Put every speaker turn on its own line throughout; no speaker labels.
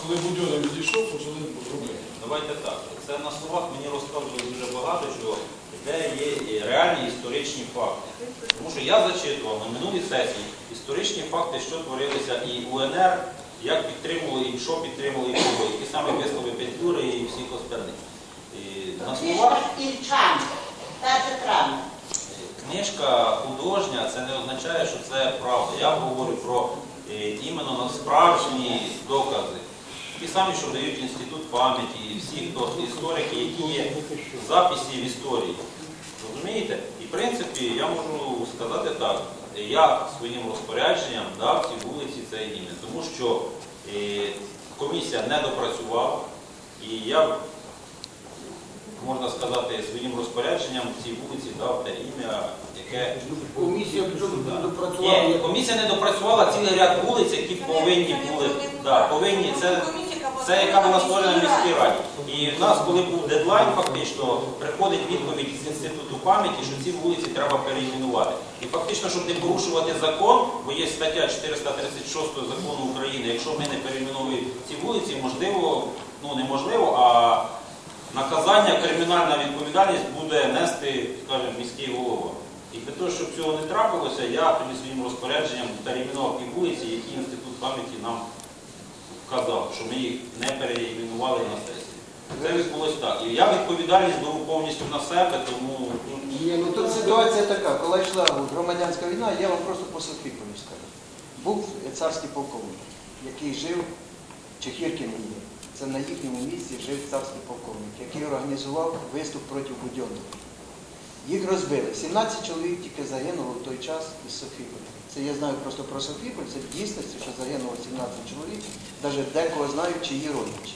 коли Будьонов відійшов, почали робити.
Давайте так. Це на словах мені розказували дуже багато чого, де є реальні історичні факти. Тому що я зачитував на минулій сесії історичні факти, що творилися і УНР, як підтримували, і що підтримували, і кого, і ті самі вислови Петлюри і всіх остальних. На словах книжка художня, це не означає, що це правда. Я говорю про іменно справжні докази. Ті самі, що дають Інститут пам'яті, і всі історики, які є в записі в історії. Розумієте? І в принципі, я можу сказати так, я своїм розпорядженням дав цій вулиці це ім'я, тому що комісія не допрацювала, і я, можна сказати, своїм розпорядженням цій вулиці дав те ім'я, яке...
Комісія не допрацювала?
Ні, комісія не допрацювала цілий ряд вулиць, які повинні були... Це яка була створена в міській раді. І в нас, коли був дедлайн, фактично, приходить відповідь з Інституту пам'яті, що ці вулиці треба переіменувати. І фактично, щоб не порушувати закон, бо є стаття 436 закону України, якщо ми не переіменуємо ці вулиці, можливо, ну неможливо, а наказання, кримінальна відповідальність буде нести, скажімо, міський голова. І для того, щоб цього не трапилося, я тоді своїм розпорядженням переіменував ті вулиці, які Інститут пам'яті нам казав, що ми їх не переіменували на сесії. Це відбулося так. І я відповідальність беру повністю на себе, тому...
Ні, ну тут ситуація така, коли йшла громадянська війна, я вам просто по Софіполю скажу. Був царський полковник, який жив, Чехіркін є. Це на їхньому місці жив царський полковник, який організував виступ проти Будьонова. Їх розбили. 17 чоловік тільки загинуло в той час із Софіполя. Це я знаю просто про Софіполь, це в дійсності, що загинуло 17 чоловік, навіть декого знають, чиї родичі.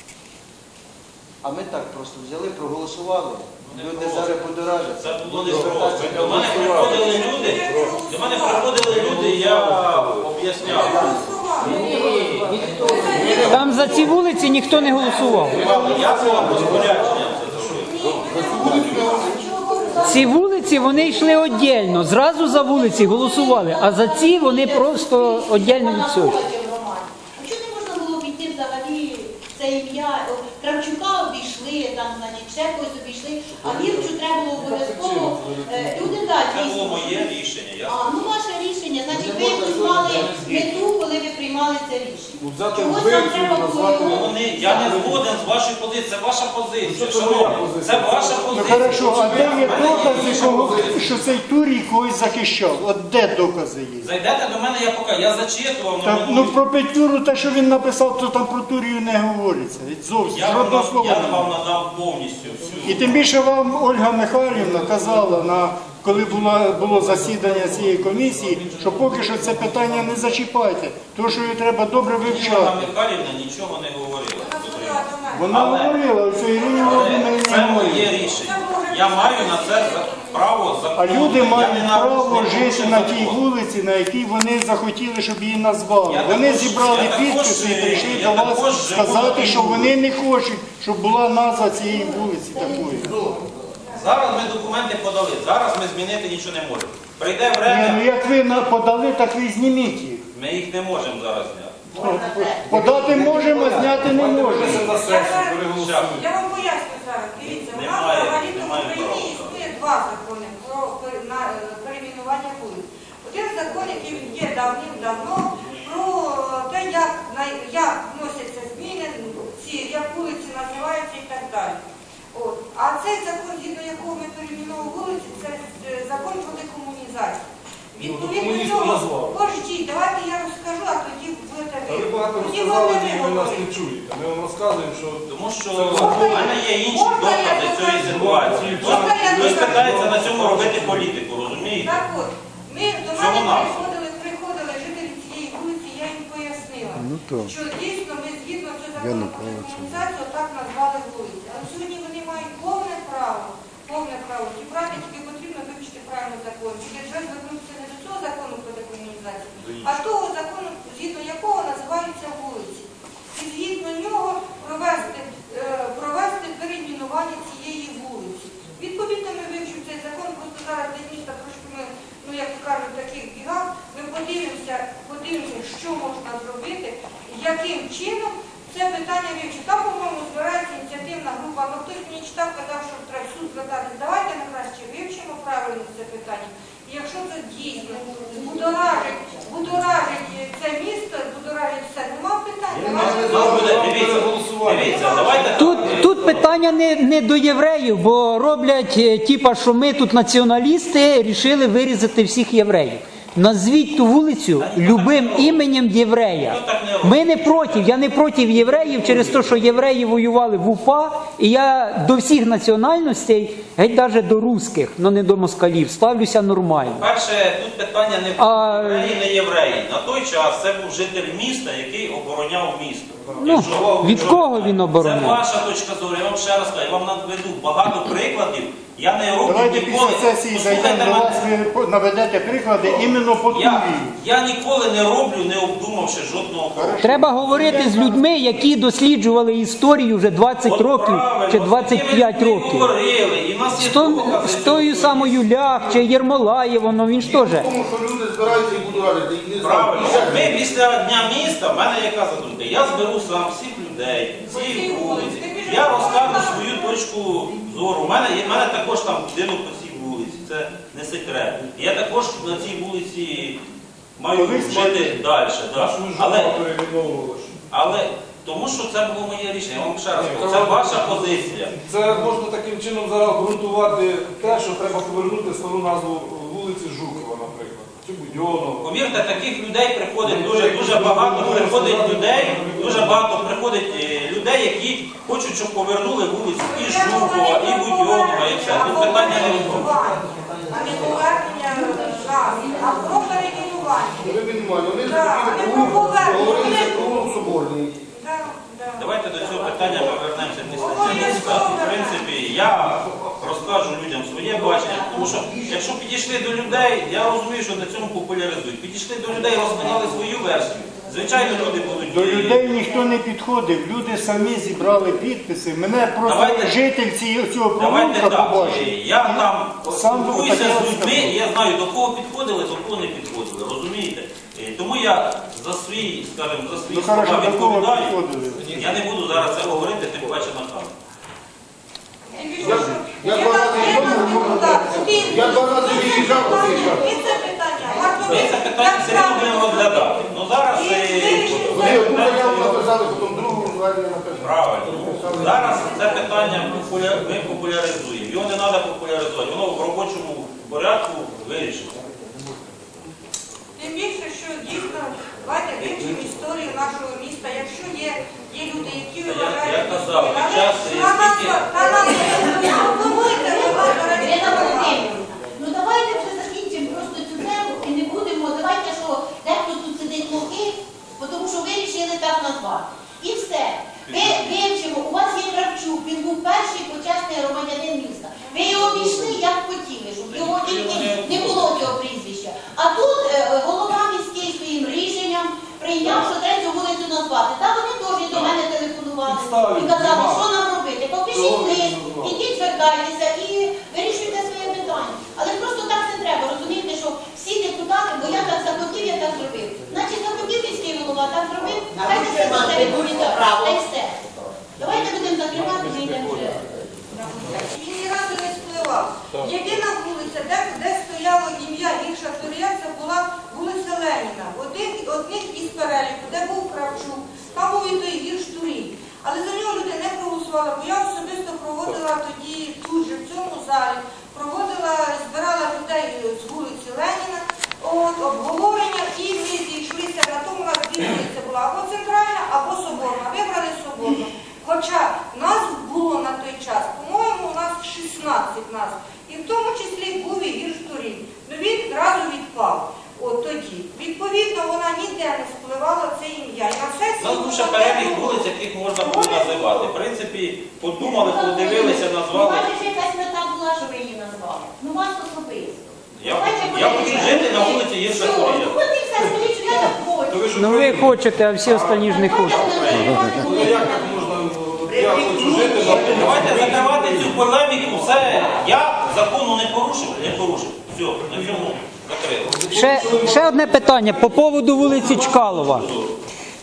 А ми так просто взяли, проголосували. Люди зараз подоражаться.
Це було не просто. До мене приходили люди, я об'ясняв.
Там за ці вулиці ніхто не голосував.
Я своїм розпорядженням це зробив.
Ці вулиці, вони йшли віддільно, зразу за вулиці голосували, а за ці вони просто віддільно від цього.
Чому не можна було піти взагалі це ім'я? Кравчука обійшли, там, значить, ще когось обійшли, а Вірчу треба було обов'язково. Люди далі.
Це було моє рішення.
Ну ваше рішення, значить ви приймали мету, коли ви приймали це рішення. Чогось нам треба було...
Я не згоден з вашою позицією, це ваша позиція. Шановні, це ваша позиція.
Ну хорошо, а де є докази, що цей Турій когось захищав? От де докази є?
Зайдете до мене, я покажу. Я зачитував.
Ну про Петлюру, те, що він написав, то там про Турію не говориться. Зовсім, жодного слова.
Я вам надав повністю всю.
І тим більше вам Ольга Михайлівна казала, коли було засідання цієї комісії, що поки що це питання не зачіпайте, тому що її треба добре вивчати.
Ольга Михайлівна нічого не говорила.
Вона говорила, що Ірині Володимирівні
це моє рішення. Я маю на це право закону.
А люди мають право жити на тій вулиці, на якій вони захотіли, щоб її назвали. Вони зібрали підписи і прийшли до вас сказати, що вони не хочуть, щоб була назва цієї вулиці такої.
Зараз ми документи подали, зараз ми змінити нічого не можемо. Прийде время...
Ну як ви подали, так ви зніміть їх.
Ми їх не можемо зараз зняти.
Подати можемо, зняти не можемо.
Я вам поясню зараз. Дивіться, у нас взагалі-то в Україні існує два закони про перейменування вулиць. Один закон, який є давним-давно, про те, як вносяться зміни, як вулиці називаються і так далі. А цей закон, згідно якого ми перейменуємо вулиці, це закон про декомунізацію. Відповідно цього, пождіть, давайте я розкажу, а тоді будете ви.
Ви багато розказали, ви нас не чуєте. Ми вам розказуємо, що...
Тому що у мене є інші докази цієї ситуації. Хтось питається на цьому робити політику, розумієте?
Так от, ми до мене приходили жителі цієї вулиці, я їм пояснила, що дійсно ми згідно цього закону про декомунізацію так назвали вулиці. Але сьогодні вони мають повне право, ті праві, тільки потрібно вивчити правильно закон. Тільки вже звернутися не до цього закону про декомунізацію, а того закону, згідно якого називаються вулиці. І згідно нього провести перейменування цієї вулиці. Відповідно, ми вивчимо цей закон, просто зараз для міста трошки ми, як кажуть, таких бігах, ми подивимося, що можна зробити, яким чином це питання вивчити. Там, по-моєму, збирається ініціативна група, але хтось мені читав, казав, що треба в суд звертатись. Давайте ми краще вивчимо правильно це питання. І якщо це дійсно будоражить це місто, будоражить все, нема питань.
Дивіться, давайте
Тут питання не до євреїв, бо роблять, типа, що ми тут націоналісти рішили вирізати всіх євреїв. Назвіть ту вулицю любим іменем єврея. Ми не проти, я не проти євреїв через те, що євреї воювали в УПА, і я до всіх національностей, геть навіть до русських, але не до москалів, ставлюся нормально.
перше, тут питання не в євреї, не євреї. На той час це був житель міста, який обороняв місто.
Ну, від кого він
Це
обороняв?
ваша точка зору, я вам ще раз кажу, я вам наведу багато прикладів. Я не роблю
Давайте
ніколи.
після сесії зайдемо до вас, ви наведете приклади іменно по Туві.
Я ніколи не роблю, не обдумавши жодного кроку.
Треба говорити з людьми, які досліджували історію вже 20 років чи 25 років.
Говорили, і в нас є докази.
З тою самою Лях чи Єрмолаєвом, він ж теж.
Тому що люди збираються і будуть радити, і не
Правильно.
знають.
Ми після Дня міста, в мене яка задумка? Я зберу сам всіх людей, ці вулиці. Я розкажу свою точку зору. У мене також там будинок по цій вулиці, це не секрет. Я також на цій вулиці маю жити далі. Да. Але тому що це було моє рішення, я вам ще раз кажу, це ваша позиція.
Це можна таким чином зараз обґрунтувати те, що треба повернути стару назву вулиці Жукова, наприклад, чи Будьонова.
Повірте, таких людей приходить дуже багато, дуже багато приходить людей, які хочуть, щоб повернули вулицю і Жукова, і Будьонова, і все. Тут питання не відбувається.
А не повернення назви, а про перейменування.
Вони мінімальні, вони
Так, вони
говорили про Соборний.
Давайте до цього питання ми повернемося після міста. В принципі, я розкажу людям своє бачення, тому що якщо підійшли до людей, я розумію, що на цьому популяризують. Підійшли до людей, розказали свою версію. Звичайно, люди будуть...
До людей ніхто не підходив, люди самі зібрали підписи. Мене просто житель цього
Давайте
провулка
так,
побачив.
я там
Сам
спілкуюся
хотів
з людьми,
сказати.
і я знаю, до кого підходили, до кого не підходили, розумієте? Тому я за свої, скажімо, за свої
Ну,
слова
хорошо, до кого
відповідаю.
підходили?
Я не буду зараз це говорити, тим паче на камеру.
Я два рази виїжджав, виїжджав.
І це питання.
Ми це питання все одно будемо розглядати. Ну зараз
Вони одну заяву написали, потім другу звернення написали.
правильно. Зараз це питання ми популяризуємо. Його не треба популяризувати, воно в робочому порядку вирішено.
Тим більше, що дійсно, давайте вивчимо історію нашого міста. Якщо є люди, які вважають...
Я казав, під час
пропонуйте,
Ірина Володимирівна, ну давайте вже закінчимо просто цю тему і не будемо, давайте, що дехто тут сидить глухий, тому що ви вирішили так назвати. І все. Ви вивчимо, у вас є Кравчук, він був перший почесний громадянин міста. Ви його обійшли, як хотіли, щоб його тільки не було цього прізвища. А тут голова міський своїм рішенням прийняв, що треба цю вулицю назвати. Та вони теж до мене телефонували і казали, що нам робити. Попишіть лист, ідіть, звертайтеся і вирішуйте своє питання. Але просто так не треба, розумієте, що всі депутати, бо я так захотів, я так зробив. Значить, захотів міський голова, так зробив, хайте все за це відповідає. Та й все. Давайте будемо закривати, ми йдемо вже.
Він ні разу не спливав. Єдина вулиця, де стояло ім'я Гірша Турія, це була вулиця Леніна. Одних із переліку, де був Кравчук, там був і той Гірш Турій. Але за нього люди не проголосували, бо я особисто проводила тоді тут же, в цьому залі, збирала людей з вулиці Леніна, обговорення, і ми зійшлися на тому, у нас дві вулиці була або центральна, або соборна. Вибрали соборну. Хоча назв було на той час, по-моєму, у нас 16 назв. І в тому числі був і Гірш Турій. Ну він одразу відпав. От тоді. Відповідно, вона ніде не спливала це ім'я. І на сесії
У нас був ще перелік вулиць, яких можна було називати. В принципі, подумали, подивилися, назвали.
Ну, бачиш, якась мета була, що ви її назвали. Ну, вас особисто.
Я хочу жити на вулиці Гірша Турія.
Ну, от і все, скажіть, що я так хочу.
Ну ви хочете, а всі останні ж не хочуть.
Ну як так можна, я хочу жити на
Давайте закривати цю полеміку. Все, я закону не порушив. Все, на цьому закрито.
Ще одне питання по поводу вулиці Чкалова.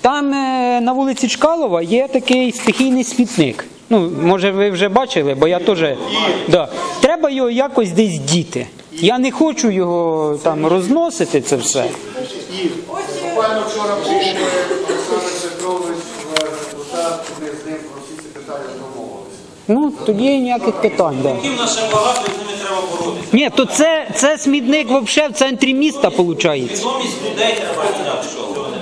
Там на вулиці Чкалова є такий стихійний смітник. Ну, може, ви вже бачили, бо я теж. Да. Треба його якось десь діти. Я не хочу його там розносити, це все.
І буквально вчора був Олександр Петрович в депутат, ми з ним про всі ці питання домовилися.
Ну, тоді ніяких питань. Да.
Які в нас ще багато, і з ними треба боротися.
Ні, то це смітник взагалі в центрі міста, виходить.
Свідомість людей треба зняти, що